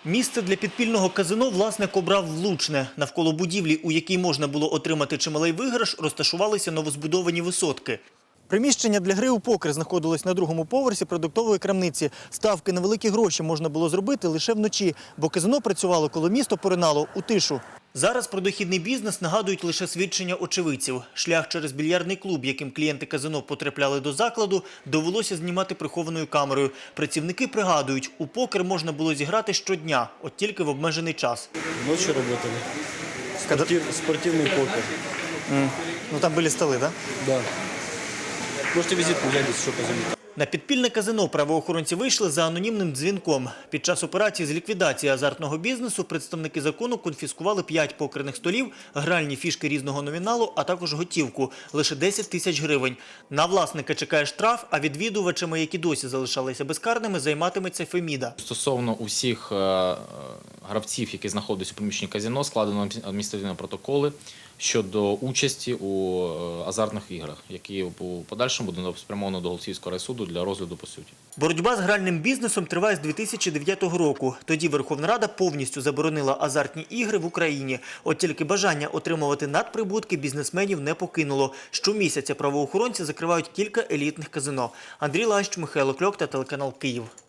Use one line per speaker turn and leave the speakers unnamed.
Місце для підпільного казино власник обрав влучне. Навколо будівлі, у якій можна було отримати чималий виграш, розташувалися новозбудовані висотки. Приміщення для гри у покер знаходилось на другому поверсі продуктової крамниці. Ставки на великі гроші можна було зробити лише вночі, бо казино працювало, коли місто поринало у тишу. Зараз про дохідний бізнес нагадують лише свідчення очевидців. Шлях через більярдний клуб, яким клієнти казино потрапляли до закладу, довелося знімати прихованою камерою. Працівники пригадують, у покер можна було зіграти щодня, от тільки в обмежений час.
Ночью работали. Спортивный покер.
Ну там були столи, так?
Да. Можете визитку взять, если что, позвонить.
На підпільне казино правоохоронці вийшли за анонімним дзвінком. Під час операції з ліквідації азартного бізнесу представники закону конфіскували 5 покерних столів, гральні фішки різного номіналу, а також готівку – лише 10 тисяч гривень. На власника чекає штраф, а відвідувачами, які досі залишалися безкарними, займатиметься Феміда.
Стосовно усіх гравців, які знаходяться у приміщенні казино, складено адміністративні протоколи щодо участі у азартних іграх, які у подальшому будуть спрямовані до Голосіївського райсуду для розгляду по суті.
Боротьба з гральним бізнесом триває з 2009 року. Тоді Верховна Рада повністю заборонила азартні ігри в Україні. От тільки бажання отримувати надприбутки бізнесменів не покинуло. Щомісяця правоохоронці закривають кілька елітних казино. Андрій Лащ, Михайло Кльок та телеканал «Київ».